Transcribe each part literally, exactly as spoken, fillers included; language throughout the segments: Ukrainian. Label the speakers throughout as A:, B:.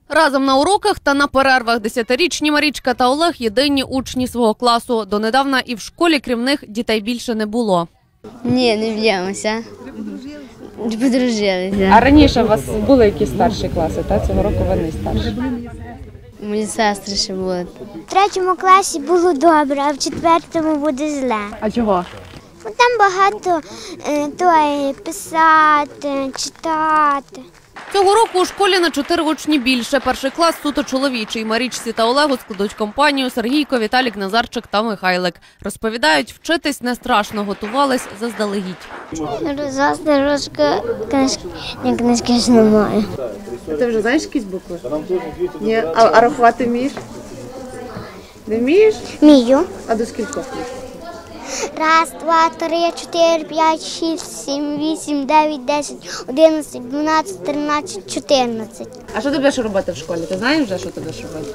A: Разом на уроках та на перервах десятирічні Марічка та Олег – єдині учні свого класу. Донедавна і в школі, крім них, дітей більше не було.
B: Ні, не б'ємося. Подружилися.
C: А раніше у вас були якісь старші класи, та цього року ви не старші?
B: Мої сестри ще були.
D: В третьому класі було добре, а в четвертому буде зле.
C: А чого?
D: Там багато е, то, писати, читати.
A: Цього року у школі на чотири учні більше. Перший клас суто чоловічий. Марічці та Олегу складуть компанію Сергійко, Віталік, Назарчик та Михайлик. Розповідають, вчитись не страшно, готувались заздалегідь.
D: Розв'язати ручку, книжки, ні, книжки ж немає.
C: А ти вже знаєш якісь букви? Ні. А, а рахувати вмієш? Не вмієш?
D: Вмію.
C: А до скількох?
D: Раз, два, три, чотири, п'ять, шість, сім, вісім, дев'ять, десять, одинадцять, дванадцять, тринадцять, чотирнадцять.
C: А що ти будеш робити в школі? Ти знаєш вже, що ти будеш робити?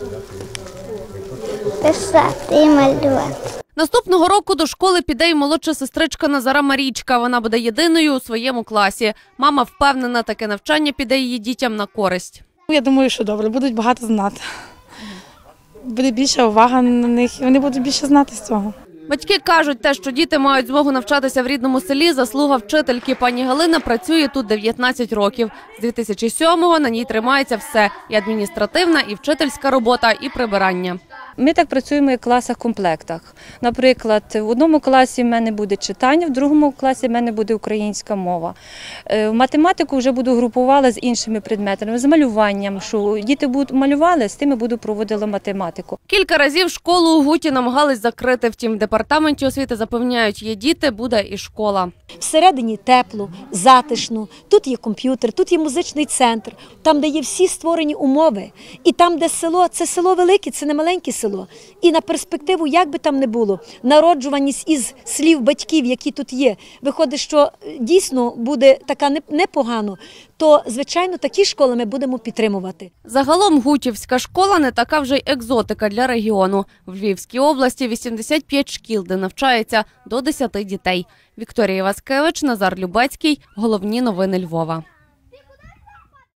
D: Писати і малювати.
A: Наступного року до школи піде й молодша сестричка Назара Марічка. Вона буде єдиною у своєму класі. Мама впевнена, таке навчання піде її дітям на користь.
E: Я думаю, що добре, будуть багато знати. Буде більша увага на них, і вони будуть більше знати з цього.
A: Батьки кажуть, те, що діти мають змогу навчатися в рідному селі, заслуга вчительки. Пані Галина працює тут дев'ятнадцять років. З дві тисячі сьомого на ній тримається все – і адміністративна, і вчительська робота, і прибирання.
F: Ми так працюємо і в класах-комплектах. Наприклад, в одному класі в мене буде читання, в другому класі в мене буде українська мова. В математику вже буду групувала з іншими предметами, з малюванням, що діти будуть малювали, з тими буду проводила математику.
A: Кілька разів школу у Гуті намагались закрити, втім в департаменті освіти запевняють, є діти, буде і школа.
G: Всередині тепло, затишно, тут є комп'ютер, тут є музичний центр, там, де є всі створені умови. І там, де село, це село велике, це не маленьке село. І на перспективу, як би там не було, народжуваність із слів батьків, які тут є, виходить, що дійсно буде така непогано, то, звичайно, такі школи ми будемо підтримувати.
A: Загалом гутівська школа не така вже й екзотика для регіону. В Львівській області вісімдесят п'ять шкіл, де навчається до десяти дітей. Вікторія Васкевич, Назар Любецький. Головні новини Львова.